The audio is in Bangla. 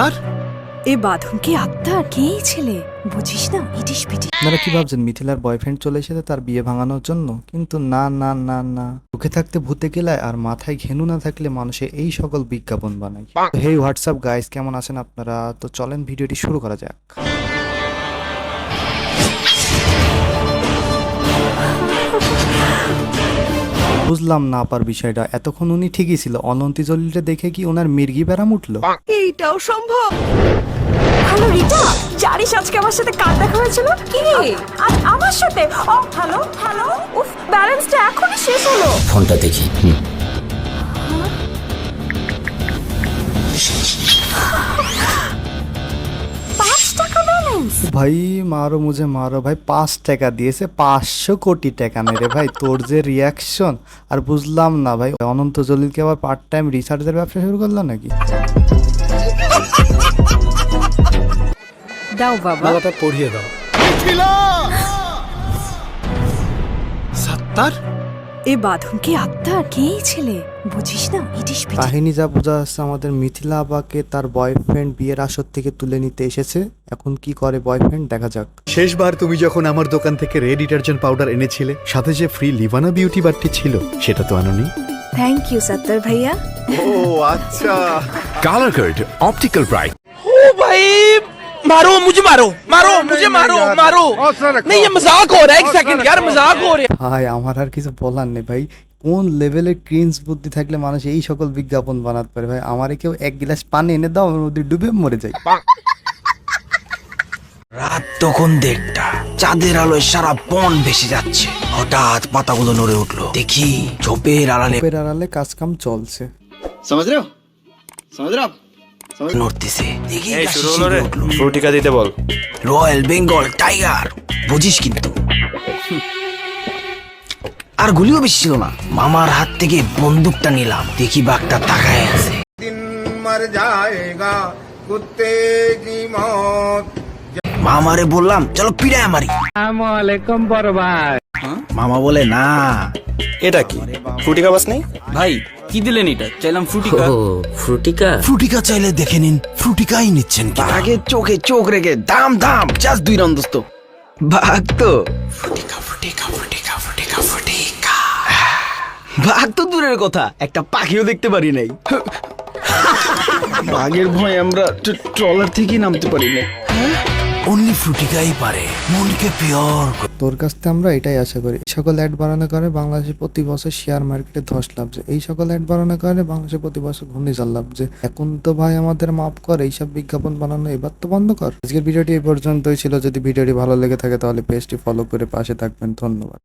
সত্তার এ বাঁধন কি আক্তার? কে এই ছেলে? বুঝিস না, ইটিস পিটিস। আপনারা কি ভাবছেন মিথিলার বয়ফ্রেন্ড চলে এসেছে তার বিয়ে ভাঙানোর জন্য? কিন্তু না না না না, মুখে থাকতে ভূতে গেলায় আর মাথায় ঘেনু না থাকলে মানুষে এই সকল বিজ্ঞাপন বানায়। হেই হোয়াটসঅ্যাপ গাইস, কেমন আছেন আপনারা? তো চলেন ভিডিওটি শুরু করা যাক। বুঝলাম না আপার বিষয়টা। এতক্ষণ উনি ঠিকই ছিল, অনন্তি জলিলটা দেখে কি ওনার মির্গি ব্যারাম উঠলো? এইটাও সম্ভব? হ্যালো রিতা, জানিস আজকে আমার সাথে কার দেখা হয়েছিল? কি? আজ আমার সাথে? ও হ্যালো হ্যালো, উফ, ব্যালেন্সটা এখনই শেষ হলো। ফোনটা দেখি। ভাই মারো মুঝে মারো ভাই, 5 টাকা দিয়েছে, 500 কোটি টাকা নেই রে ভাই। তোর যে রিয়াকশন আর বুঝলাম না ভাই, অনন্ত জলিলকে আবার পার্ট টাইম রিসার্চের ব্যবসা শুরু করলো নাকি? দাও বাবা, মালাটা পরিয়ে দাও। সত্তার এ বাঁধন কি আক্তার? কে এই ছেলে? বুঝিস না, ইটিস পিটিস। কাহিনী যা বোঝা যাচ্ছে, আমাদের মিথিলা আপাকে তার বয়ফ্রেন্ড বিয়ের আসর থেকে তুলে নিতে এসেছে। এখন কি করে বয়ফ্রেন্ড, দেখা যাক। শেষবার তুমি যখন আমার দোকান থেকে রেড ডিটারজেন্ট পাউডার এনেছিলে, সাথে যে ফ্রি লিভানা বিউটি বারটি ছিল, সেটা তো আনোনি। থ্যাংক ইউ সত্তর ভাইয়া। ও আচ্ছা। Colour card optical bright. ओ भाई मारो मुझे, मारो मारो मुझे, मारो मारो। नहीं ये मजाक हो रहा है, एक सेकंड यार, मजाक हो रहा है। ভাই আমার আর কিছু বলার নেই ভাই। কোন লেভেলের ক্রিঞ্জ বুদ্ধি থাকলে মানুষ এই সকল বিজ্ঞাপন বানাতে পারে ভাই? আমারে কেউ এক গ্লাস পানি এনে দাও, আমার মধ্যে ডুবে মরে যাই। রাত তখন 1:30, চাঁদের আলোয় সারা বন ভেসে যাচ্ছে। হঠাৎ পাতাগুলো নড়ে উঠলো, দেখি ঝোপের আড়ালে পের আড়ালে কাজ কাম চলছে। নড়তেছে। দেখি ফ্রুটিকা দিতে বল। রয়্যাল বেঙ্গল টাইগার, বুঝিস কিন্তু। আর গুলিও বেশি ছিল না। মামার হাত থেকে বন্দুকটা নিলাম, দেখি বাঘটা তাকায় আছে। মামারে বললাম চলো পিড়ায় মারি। মামা বলে না। এটা কি ফ্রুটিকা বাস নেই? ভাই কি দিলেন এটা? চাইলাম ফ্রুটিকা। ফ্রুটিকা চাইলে দেখে নিন, ফ্রুটিকাই নিচ্ছেন কি? আগে চোখে চোখ রেখে দাম দাম, জাস্ট 2 রাউন্ড দোস্ত। বাঘ তো ফ্রুটিকা ফ্রুটিকা ফ্রুটিকা ফ্রুটিকা ফ্রুটিকা। বাঘ তো দূরের কথা, একটা পাখিও দেখতে পারি নাই। বাঘের ভয় আমরা ট্রলার থেকেই নামতে পারি না। অনলি ফ্রুটিকাই পারে মনকে পিওর। তোর কাছ থেকে আমরা এটাই আশা করি। এই সকল অ্যাড বাড়ানোর কারণে বাংলাদেশে প্রতি বছর শেয়ার মার্কেটে ধস লাভছে। এই সকল অ্যাড বাড়ানোর কারণে বাংলাদেশে প্রতি বছর ঘূর্ণিঝড় লাভছে। এখন তো ভাই আমাদের মাফ কর, এইসব বিজ্ঞাপন বানানো এবার তো বন্ধ কর। আজকের ভিডিওটি এই পর্যন্তই ছিল। যদি ভিডিওটি ভালো লেগে থাকে তাহলে পেজটি ফলো করে পাশে থাকবেন। ধন্যবাদ।